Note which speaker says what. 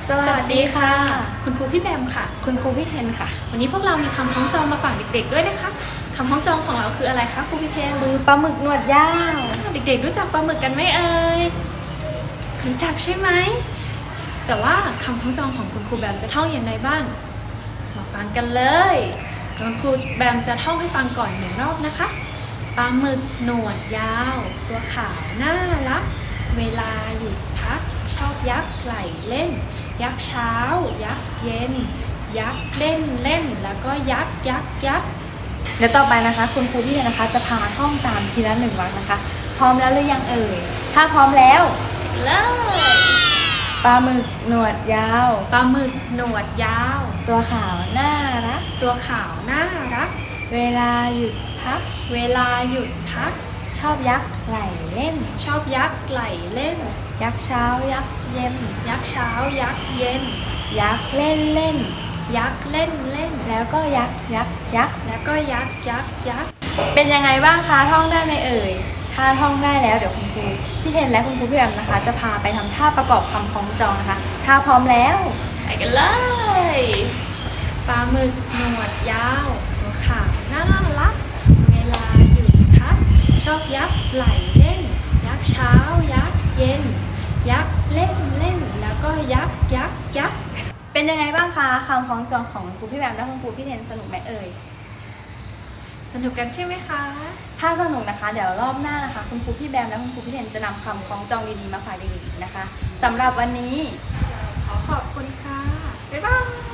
Speaker 1: สวัสดีค่ะ
Speaker 2: คุณครูพี่แบมค่ะ
Speaker 1: คุณครูพี่เทนค่ะ
Speaker 2: วันนี้พวกเรามีคำคล้องจองมาฝากเด็กๆด้วยนะคะคำคล้องจองของเราคืออะไรคะครูพี่เทน
Speaker 1: คือปลาหมึกหนวดยาว
Speaker 2: เด็กๆรู้จักปลาหมึกกันไหมเอ่ยรู้จักใช่ไหมแต่ว่าคำคล้องจองของคุณครูแบมจะท่องอย่างไรบ้างมาฟังกันเลยคุณครูแบมจะท่องให้ฟังก่อน1 รอบนะคะปลาหมึกหนวดยาวตัวขาวน่ารักเวลาหยุดพักชอบยักไหลเล่นยักเช้ายักเย็นยักเล่นเล่นแล้วก็ยัก
Speaker 1: เดี๋ยวต่อไปนะคะคุณครูพี่เทนนะคะจะพาท่องตามทีละ1 วรรคนะคะพร้อมแล้วหรือยังเอ่ยถ้าพร้อมแล้ว
Speaker 2: เลย
Speaker 1: ปลาหมึกหนวดยาว
Speaker 2: ปลาหมึกหนวดยาว
Speaker 1: ตัวขาวน่ารัก
Speaker 2: ตัวขาวน่ารัก
Speaker 1: เวลาหยุดพัก
Speaker 2: เวลาหยุดพัก
Speaker 1: ชอบยักไหลเล่น
Speaker 2: ชอบยักไหลเล่น
Speaker 1: ยักเช้ายักเย็น
Speaker 2: ยักเช้ายักเย็น
Speaker 1: ยักเล่นเล่น
Speaker 2: ยักเล่นเล่น
Speaker 1: แล้วก็ยัก
Speaker 2: แล้วก็ยัก
Speaker 1: เป็นยังไงบ้างคะท่องได้ไหมเอ่ยถ้าท่องได้แล้วเดี๋ยวคุณครูพี่เทนและคุณครูพี่แอมนะคะจะพาไปทำท่าประกอบคำคล้องจองนะคะถ้าพร้อมแล้ว
Speaker 2: ไปกันเลยปลาหมึกหนวดยาวตัวขาวน่ารักเวลาหยุดพักชอบยักไหลเล่นยักเช้ายักเย็นยักเล่นเล่นแล้วก็ยัก
Speaker 1: เป็นยังไงบ้างคะคำคล้องจองของครูพี่แบมและคุณครูพี่เทนสนุกไหมเอ่ย
Speaker 2: สนุกกันใช่ไหมคะ
Speaker 1: ถ้าสนุกนะคะเดี๋ยวรอบหน้านะคะคุณครูพี่แบมและคุณครูพี่เทนจะนำคำคล้องจองดีๆมาฝากเด็กๆอีกนะคะสำหรับวันนี้
Speaker 2: ขอขอบคุณค่ะบ๊ายบาย